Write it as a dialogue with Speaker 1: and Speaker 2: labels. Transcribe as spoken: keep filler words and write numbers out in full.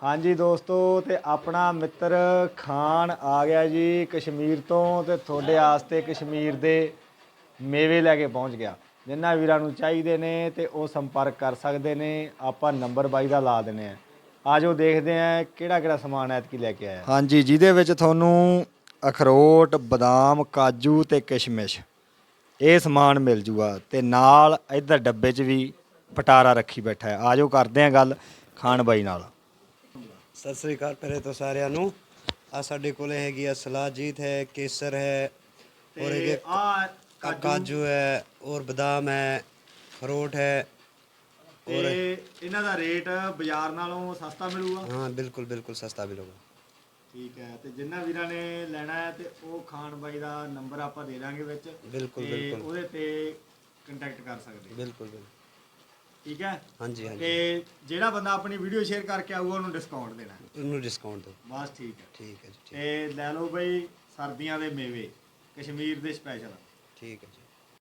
Speaker 1: ਹਾਂਜੀ ਦੋਸਤੋ, ਤੇ ਆਪਣਾ ਮਿੱਤਰ ਖਾਨ ਆ ਗਿਆ ਜੀ ਕਸ਼ਮੀਰ ਤੋਂ, ਤੇ ਤੁਹਾਡੇ ਵਾਸਤੇ ਕਸ਼ਮੀਰ ਦੇ ਮੇਵੇ ਲੈ ਕੇ ਪਹੁੰਚ ਗਿਆ। ਜਿਨ੍ਹਾਂ ਵੀਰਾਂ ਨੂੰ ਚਾਹੀਦੇ ਨੇ ਤੇ ਉਹ ਸੰਪਰਕ ਕਰ ਸਕਦੇ ਨੇ। ਆਪਾਂ ਨੰਬਰ ਬਾਈ ਦਾ ਲਾ ਦਿੰਦੇ ਆ। ਆਜੋ ਦੇਖਦੇ ਆ ਕਿਹੜਾ ਕਿਹੜਾ ਸਮਾਨ ਐਤਕੀ ਲੈ ਕੇ ਆਇਆ। ਹਾਂਜੀ, ਜਿਹਦੇ ਵਿੱਚ ਤੁਹਾਨੂੰ ਅਖਰੋਟ, ਬਦਾਮ, ਕਾਜੂ ਤੇ ਕਿਸ਼ਮਿਸ਼ ਇਹ ਸਮਾਨ ਮਿਲ ਜੂਗਾ, ਤੇ ਨਾਲ ਇੱਧਰ ਡੱਬੇ 'ਚ ਵੀ ਪਟਾਰਾ ਰੱਖੀ ਬੈਠਾ ਹੈ। ਆਜੋ ਕਰਦੇ ਆ ਗੱਲ ਖਾਨ ਬਾਈ ਨਾਲ।
Speaker 2: ਸਤਿ ਸ੍ਰੀ ਅਕਾਲ ਪਹਿਲੇ ਤੋਂ ਸਾਰਿਆਂ ਨੂੰ। ਆ ਸਾਡੇ ਕੋਲ ਹੈਗੀ ਆ ਸਲਾਜੀਤ ਹੈ, ਕੇਸਰ ਹੈ, ਔਰ ਇਹ
Speaker 1: ਆ
Speaker 2: ਕਾਜੂ ਹੈ, ਔਰ ਬਦਾਮ ਹੈ, ਅਖਰੋਟ ਹੈ।
Speaker 1: ਔਰ ਇਹਨਾਂ ਦਾ ਰੇਟ ਬਾਜ਼ਾਰ ਨਾਲੋਂ ਸਸਤਾ ਮਿਲੂਗਾ?
Speaker 2: ਹਾਂ ਬਿਲਕੁਲ ਬਿਲकुल ਸਸਤਾ ਮਿਲੂਗਾ।
Speaker 1: ਠੀਕ ਹੈ, ਤੇ ਜਿੰਨਾ ਵੀਰਾਂ ਨੇ ਲੈਣਾ ਹੈ ਤੇ ਉਹ ਖਾਨ ਬਾਈ ਦਾ ਨੰਬਰ ਆਪਾਂ ਦੇ ਦਾਂਗੇ ਵਿੱਚ,
Speaker 2: ਬਿਲਕੁਲ
Speaker 1: ਤੇ
Speaker 2: ਬਿਲकुल
Speaker 1: ਉਹਦੇ ਤੇ ਕੰਟੈਕਟ ਕਰ ਸਕਦੇ।
Speaker 2: ਬਿਲਕੁਲ ਬਿਲकुल
Speaker 1: ਠੀਕ ਹੈ।
Speaker 2: ਹਾਂਜੀ ਹਾਂਜੀ।
Speaker 1: ਤੇ ਜਿਹੜਾ ਬੰਦਾ ਆਪਣੀ ਵੀਡੀਓ ਸ਼ੇਅਰ ਕਰਕੇ ਆਊਗਾ ਉਹਨੂੰ ਡਿਸਕਾਊਂਟ ਦੇਣਾ?
Speaker 2: ਉਹਨੂੰ ਡਿਸਕਾਊਂਟ ਦਿਓ।
Speaker 1: ਬਸ ਠੀਕ ਹੈ।
Speaker 2: ਠੀਕ ਹੈ ਜੀ,
Speaker 1: ਤੇ ਲੈ ਲਓ ਬਈ ਸਰਦੀਆਂ ਦੇ ਮੇਵੇ ਕਸ਼ਮੀਰ ਦੇ ਸਪੈਸ਼ਲ।
Speaker 2: ਠੀਕ ਹੈ ਜੀ।